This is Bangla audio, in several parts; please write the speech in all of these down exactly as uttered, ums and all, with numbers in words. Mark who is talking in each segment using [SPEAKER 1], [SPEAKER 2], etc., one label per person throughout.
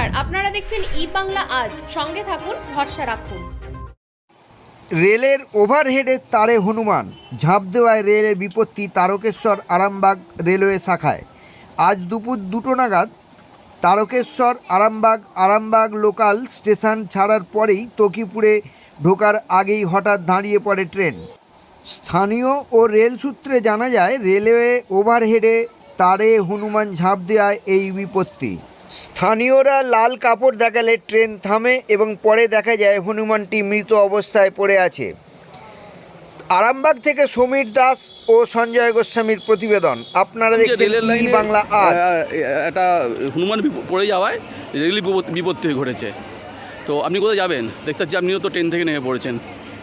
[SPEAKER 1] নমস্কার, আপনারা দেখছেন ই বাংলা আজ। সঙ্গে থাকুন, ভরসা রাখুন।
[SPEAKER 2] রেলের ওভারহেডের তারে হনুমান ঝাঁপ দেওয়ায় রেলের বিপত্তি তারকেশ্বর আরামবাগ রেলওয়ে শাখায়। আজ দুপুর দুটো নাগাদ তারকেশ্বর আরামবাগ আরামবাগ লোকাল স্টেশন ছাড়ার পরেই তকিপুরে ঢোকার আগেই হঠাৎ দাঁড়িয়ে পড়ে ট্রেন। স্থানীয় ও রেল সূত্রে জানা যায়, রেলওয়ে ওভারহেডে তারে হনুমান ঝাঁপ দেওয়ায় এই বিপত্তি। স্থানীয়রা লাল কাপড় দেখালে ট্রেন থামে এবং পরে দেখা যায় হনুমানটি মৃত অবস্থায় পড়ে আছে। আরামবাগ থেকে সমীর দাস ও সঞ্জয় গোস্বামীর প্রতিবেদন। আপনারা দেখছেন ই বাংলা আজ।
[SPEAKER 3] একটা হনুমান বিপ- পড়ে যাওয়ায় রেলি বিপত- বিপত্তি ঘটেছে। তো আপনি কোথায় যাবেন? দেখতে পাচ্ছি আপনিও তো ট্রেন থেকে নেমে পড়েছেন।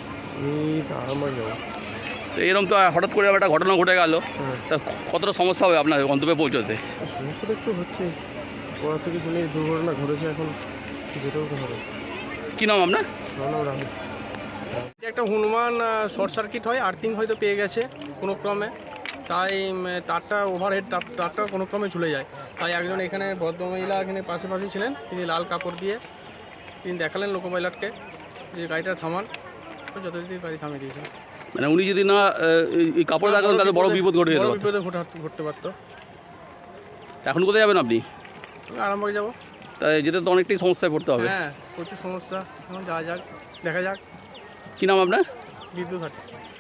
[SPEAKER 3] তো এরকম তো হঠাৎ করে একটা ঘটনা ঘটে গেল, তা কতটা সমস্যা হবে আপনার গন্তব্যে পৌঁছতে?
[SPEAKER 4] সমস্যা তো একটু হচ্ছে, ওরা থেকে শুনে দুর্ঘটনা ঘটেছে, এখন যেতেও তো হবে।
[SPEAKER 3] কী নাম আপনার?
[SPEAKER 4] আমার নাম রাহুল। এটা একটা হনুমান শর্ট সার্কিট হয়, আর্থিং হয়তো পেয়ে গেছে কোনো ক্রমে, তাই উম, তারটা ওভারহেড তার তারটা কোনো ক্রমে চলে যায়। তাই একজন এখানে ভদ্রমহিলা এখানে পাশাপাশি ছিলেন, তিনি লাল কাপড় দিয়ে তিনি দেখালেন লোকো পাইলটকে যে গাড়িটা থামান, তো যথারীতি গাড়ি থামিয়ে দিয়েছেন।
[SPEAKER 3] মানে উনি যদি না আহ, এই- এই কাপড় দেখাতেন তাহলে বড় বিপদ ঘটে যেতে
[SPEAKER 4] বড়
[SPEAKER 3] পারত।
[SPEAKER 4] বিপদে ঘটে- ঘটতে পারতো।
[SPEAKER 3] এখন কোথায় যাবেন আপনি?
[SPEAKER 4] আমি আরামবাগে যাবো।
[SPEAKER 3] তাই যেতে তো অনেকটাই সমস্যায় পড়তে হবে।
[SPEAKER 4] হ্যাঁ, প্রচুর সমস্যা, এখন যাওয়া যাক, দেখা যাক।
[SPEAKER 3] কী নাম আপনার?
[SPEAKER 4] বিদ্যুৎ হাট।